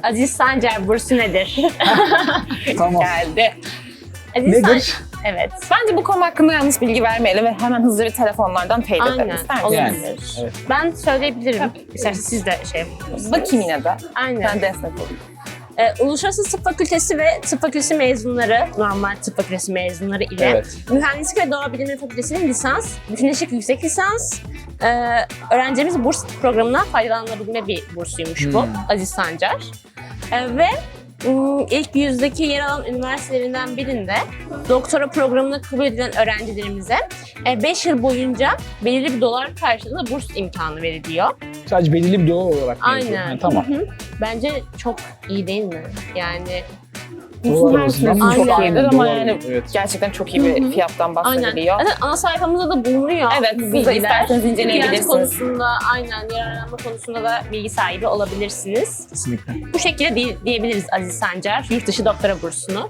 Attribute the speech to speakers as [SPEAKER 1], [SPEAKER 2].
[SPEAKER 1] Aziz Sancar bursu nedir?
[SPEAKER 2] Tamam.
[SPEAKER 3] Geldi.
[SPEAKER 1] Aziz
[SPEAKER 2] Nedir?
[SPEAKER 1] Evet.
[SPEAKER 3] Bence bu konu hakkında yanlış bilgi vermeyelim ve hemen hızlı bir telefonlardan teyit edelim.
[SPEAKER 1] Aynen.
[SPEAKER 3] İster misin?
[SPEAKER 2] Yani.
[SPEAKER 1] Olabilir.
[SPEAKER 2] Evet.
[SPEAKER 1] Ben söyleyebilirim. İsterseniz siz de şey yapın.
[SPEAKER 3] Bakayım yine de.
[SPEAKER 1] Aynen.
[SPEAKER 3] Ben destek olayım.
[SPEAKER 1] Uluslararası Tıp Fakültesi ve Tıp Fakültesi mezunları, normal Tıp Fakültesi mezunları ile
[SPEAKER 2] Evet.
[SPEAKER 1] Mühendislik ve Doğa Bilimleri Fakültesi'nin lisans, bütünleşik yüksek lisans, öğrencimiz burs programından faydalanabilme bir bursuymuş bu, Aziz Sancar. Ve ilk yüzdeki yer alan üniversitelerinden birinde doktora programına kabul edilen öğrencilerimize 5 yıl boyunca belirli bir dolar karşılığında burs imkanı veriliyor.
[SPEAKER 2] Sadece belirli bir dolar olarak mı yazıyor?
[SPEAKER 1] Aynen.
[SPEAKER 2] Ha, tamam.
[SPEAKER 1] Hı hı. Bence çok iyi değil mi? Yani
[SPEAKER 2] Dolar
[SPEAKER 3] Her
[SPEAKER 2] arasından
[SPEAKER 3] türlü çok
[SPEAKER 1] Aynen.
[SPEAKER 3] iyidir ama
[SPEAKER 2] Dolar,
[SPEAKER 3] yani
[SPEAKER 2] evet.
[SPEAKER 3] gerçekten çok iyi bir fiyattan bahsediliyor.
[SPEAKER 1] aynen. Zaten ana sayfamızda da bulunuyor.
[SPEAKER 3] Evet,
[SPEAKER 1] bu
[SPEAKER 3] siz de
[SPEAKER 1] bilgiler.
[SPEAKER 3] isterseniz inceleyebilirsiniz.
[SPEAKER 1] Fiyat konusunda, aynen yararlanma konusunda da bilgi sahibi olabilirsiniz.
[SPEAKER 2] Kesinlikle.
[SPEAKER 1] Bu şekilde diyebiliriz Aziz Sancar, yurt dışı doktora bursunu.